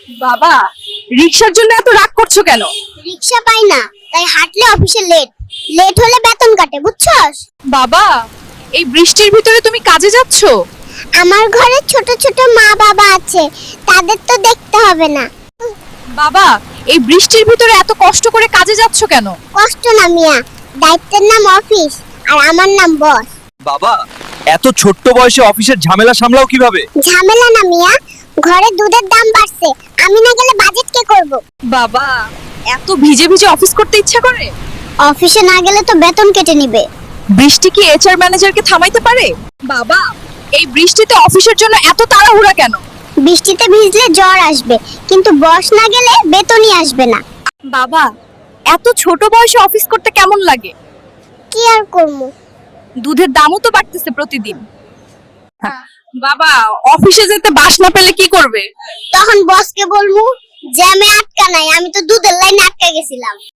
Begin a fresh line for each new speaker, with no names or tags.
বাবা, রিক্সার জন্য এত রাগ করছো কেন?
রিক্সা পাই না, তাই হাঁটলে অফিসে লেট। লেট হলে বেতন কাটে, বুঝছস?
বাবা, এই বৃষ্টির ভিতরে তুমি কাজে যাচ্ছো?
আমার ঘরে ছোট ছোট মা বাবা আছে, তাদের তো দেখতে হবে না।
বাবা, এই বৃষ্টির ভিতরে এত কষ্ট করে কাজে যাচ্ছো কেন?
কষ্ট না মিয়া, দায়িত্বের নাম অফিস, আর আমার নাম বস।
বাবা, এত ছোট্ট বয়সে অফিসের ঝামেলা সামলাও কিভাবে?
ঝামেলা না মিয়া, ঘরে দুধের দাম বাড়ছে, আমি না গেলে বাজেট কে করব?
বাবা, এত ভিজে ভিজে অফিস করতে ইচ্ছা করে?
অফিসে না গেলে তো বেতন কেটে নিবে।
বৃষ্টি কি এইচআর ম্যানেজারকে থামাইতে পারে? বাবা, এই বৃষ্টিতে অফিসের জন্য এত তাড়াহুড়া কেন?
বৃষ্টিতে ভিজলে জ্বর আসবে, কিন্তু বস না গেলে বেতনই আসবে না।
বাবা, এত ছোট বয়সে অফিস করতে কেমন লাগে?
কি আর করবো?
দুধের দামও তো বাড়তেছে প্রতিদিন। বাবা, অফিসে যেতে বাস না পেলে কি করবে?
তখন বসকে বলবো জ্যামে আটকা নাই, আমি তো দুধের লাইনে আটকা গেছিলাম।